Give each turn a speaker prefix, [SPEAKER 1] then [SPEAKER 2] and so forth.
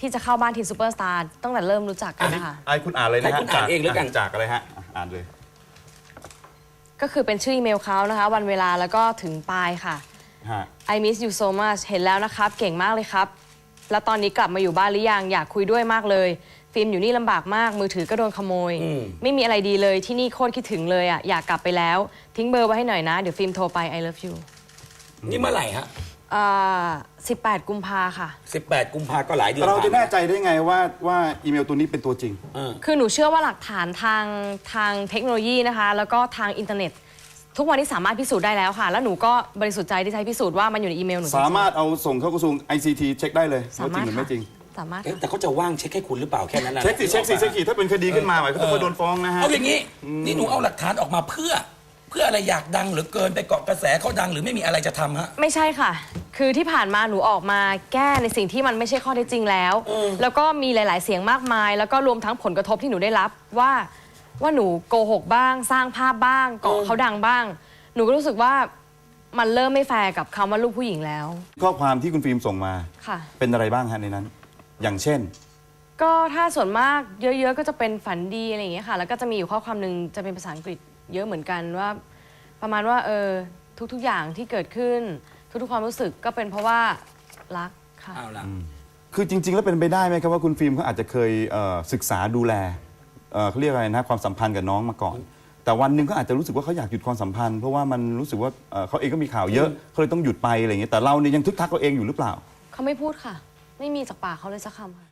[SPEAKER 1] ที่จะเข้าบ้านทีมซูเปอร์สตาร์ตั้งแต่เริ่มรู้จักกันนะคะ
[SPEAKER 2] ไอ้คุณอ่านเลยนะ
[SPEAKER 3] ให้คุณอ่านเองแล้วกัน
[SPEAKER 2] จากอะไรฮะอ่านเลย
[SPEAKER 1] ก็คือเป็นชื่ออีเมลเขานะคะวันเวลาแล้วก็ถึงปลายค่ะ
[SPEAKER 2] ฮะ
[SPEAKER 1] I miss you so much เห็นแล้วนะครับเก่งมากเลยครับแล้วตอนนี้กลับมาอยู่บ้านหรือยังอยากคุยด้วยมากเลยฟิล์มอยู่นี่ลำบากมากมือถือก็โดนขโมยไม่มีอะไรดีเลยที่นี่โคตรคิดถึงเลยอ่ะอยากกลับไปแล้วทิ้งเบอร์ไว้ให้หน่อยนะเดี๋ยวฟิล์มโทรไป I love you
[SPEAKER 3] นี่เมื่อไหร่ฮะ
[SPEAKER 1] 18 กุมภาค่ะ
[SPEAKER 3] 18 กุมภาก็หลายเดือน
[SPEAKER 2] เราจะแน่
[SPEAKER 3] ผ่
[SPEAKER 2] ใจได้ไงว่าอีเมลตัวนี้เป็นตัวจริง
[SPEAKER 1] คือหนูเชื่อว่าหลักฐานทางเทคโนโลยีนะคะแล้วก็ทางอินเทอร์เน็ต ทุกวันนี้สามารถพิสูจน์ได้แล้วค่ะ แล้วหนูก็บริสุทธิ์ใจที่ใช้พิสูจน์ว่ามันอยู่ในอีเมลหนูจงๆ
[SPEAKER 2] สามารถเอาส่งเข้ากระทรวง ICT เช็คได้เลย
[SPEAKER 1] สา
[SPEAKER 2] ว่าจ
[SPEAKER 1] มา
[SPEAKER 2] ริ
[SPEAKER 1] รง ถ
[SPEAKER 2] หรือไม่จริง
[SPEAKER 1] สามารถ
[SPEAKER 3] เอ๊ะแต่เขาจะว่างเช็คให้คุณหรือเปล่าแค่นั้นนะ
[SPEAKER 2] เช็คสิถ้าเป็นคดีขึ้นมาหมายเขาต้องมาโดนฟ้องนะฮะ
[SPEAKER 3] เอาอย่างนี้นี่หนูเอาหลักฐานออกมาเพื่ออะไรอยากดังหรือเกินไปเกาะกระแสเขาดังหรือไม่มีอะไรจะทำฮะ
[SPEAKER 1] ไม่ใช่ค่ะ คือที่ผ่านมาหนูออกมาแก้ในสิ่งที่มันไม่ใช่ข้อเท็จจริงแล้ว แล้วก็มีหลาย ๆ เสียงมากมาย แล้วก็รวมทั้งผลกระทบที่หนูได้รับว่าหนูโกหกบ้าง สร้างภาพบ้างเกาะเขาดังบ้าง หนูก็รู้สึกว่ามันเริ่มไม่แฟร์กับคำว่าลูกผู้หญิงแล้ว
[SPEAKER 2] ข้อความที่คุณฟิล์มส่งมา
[SPEAKER 1] ค่ะ
[SPEAKER 2] เป็นอะไรบ้างฮะในนั้น อย่างเช่น
[SPEAKER 1] ก็ถ้าส่วนมากเยอะ ๆ ก็จะเป็นฝันดีอะไรอย่างเงี้ยค่ะ แล้วก็จะมีอยู่ข้อความหนึ่งจะเป็นภาษาอังกฤษเยอะเหมือนกันว่า ประมาณว่าทุก ๆ อย่างที่เกิดขึ้น ทุก ๆ ความรู้สึกก็เป็นเพราะว่ารักค่ะ
[SPEAKER 3] เอาล่ะ
[SPEAKER 2] คือจริง ๆ แล้วเป็นไปได้ไหมครับว่าคุณฟิล์มเขาอาจจะเคยศึกษาดูแลเขาเรียกอะไรนะความสัมพันธ์กับน้องมาก่อน แต่วันหนึ่งเขาอาจจะรู้สึกว่าเขาอยากหยุดความสัมพันธ์เพราะว่ามันรู้สึกว่าเขาเองก็มีข่าวเยอะเขาเลยต้องหยุดไปอะไรอย่างเงี้ยแต่เราเนี่ยยังทึกทักเขาเองอยู่หรือเปล่า
[SPEAKER 1] เขาไม่พูดค่ะ ไม่มีจากปากเขาเลยสักคำค่ะ